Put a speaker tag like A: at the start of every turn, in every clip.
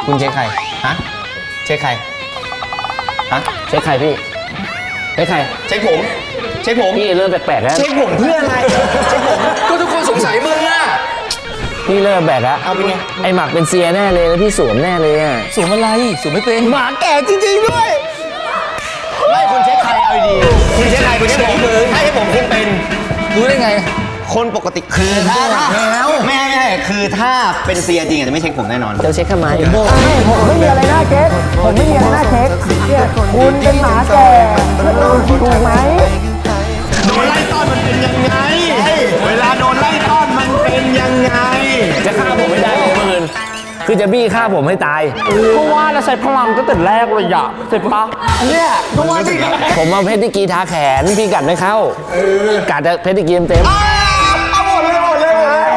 A: คุณเช็คใครฮะเช็คใครฮะ
B: เช็คใครพี่เช็คใคร
A: เช็คผมเช็คผม
B: พี่เริ่มแปลกๆแล้ว
A: เช็คผมเพื่ออะไรเช็คผม
C: ก็ทุกคนสงสัยมึงอะ
B: พี่เริ่มแปลกแล้ว
A: เอาเป็นไง
B: ไอหมักเป็นเซียแน่เลยแล้วพี่สวมแน่เลยอ่ะ
C: สวมอะไรสวมไม่เป็น
A: หมาแก่จริงๆด้วยไม่คุณเช็คใครเอาดีคุณเช็คใครคุณเช็คผมให้ผมคุณเป็น
C: รู้ได้ไง
A: คนปกติคือถ้าไม่คือถ้าเป็นเซียจริงอาจจะไม่เช็คผมแน่นอน
B: จะเช็คทำไม
D: ผมไม่มีอะไรน่าเช็คผมไม่มีอะไรน่าเช็คเนี่ยคุณเป็นหมาแก่ถูกไหม
A: โดนไล่ต้อนมันเป็นยังไงเวลาโดนไล่ต้อนมันเป็นยังไง
B: จะฆ่าผมไม่ได้เลยเมื่อคืนคือจะบี้ฆ่าผมให้ตาย
D: ก็ว่าแล้วใช้พลังตั้งแต่แรกเลยอะเสร็จปะเนี่ยก็ว่าสิ
B: ผมเอาเพชรติกีทาแขนพี่กัดไม่เข้ากัดจะเพชรติกีเต็ม
A: เอาหมดเลยหมดเลย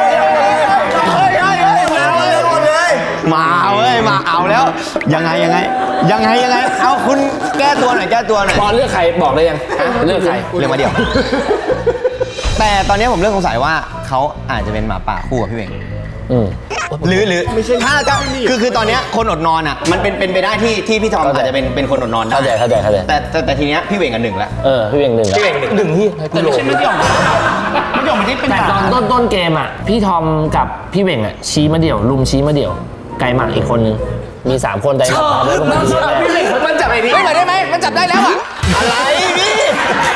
A: มาเว้ยมาเอาแล้วยังไงเอาคุณแก้ตัวหน่อย
B: พอเลือกใครบอกได้ยังเลือกใคร
A: เรื่องมาเดียว แต่ตอนนี้ผมเริ่มสงสัยว่าเขาอาจจะเป็นหมาป่าคู่กับพี่เวง หรือไม่ใช่ถ้าจะคือตอนนี้คนอดนอนอ่ะมันเป็นไปได้ที่พี่ทอมอาจจะเป็นคนอดนอนได้
B: เข้าใจ
A: แต่ทีเนี้ยพี่เวงกันหนึ่งแล้ว
B: พี่เวียงหนึ่ง
A: พี่เวงหนึ่งที่
C: แต่ไม่ใช่ไม่ยอม
A: มันที่เป็น
B: แต่ตอนต้นเกมอ่ะพี่ทอมกับพี่เวียงอ่ะชี้มาเดี่ยวลุมชี้มาเดี่ยวไก่หมักอีกคนนึงมี3คนไก่หมักตามด้วยก็มาชี้
C: มันจับไอ้นี่ไม่ไหวได้ไหมมันจับได้แล้วอะ
A: อะไรพี่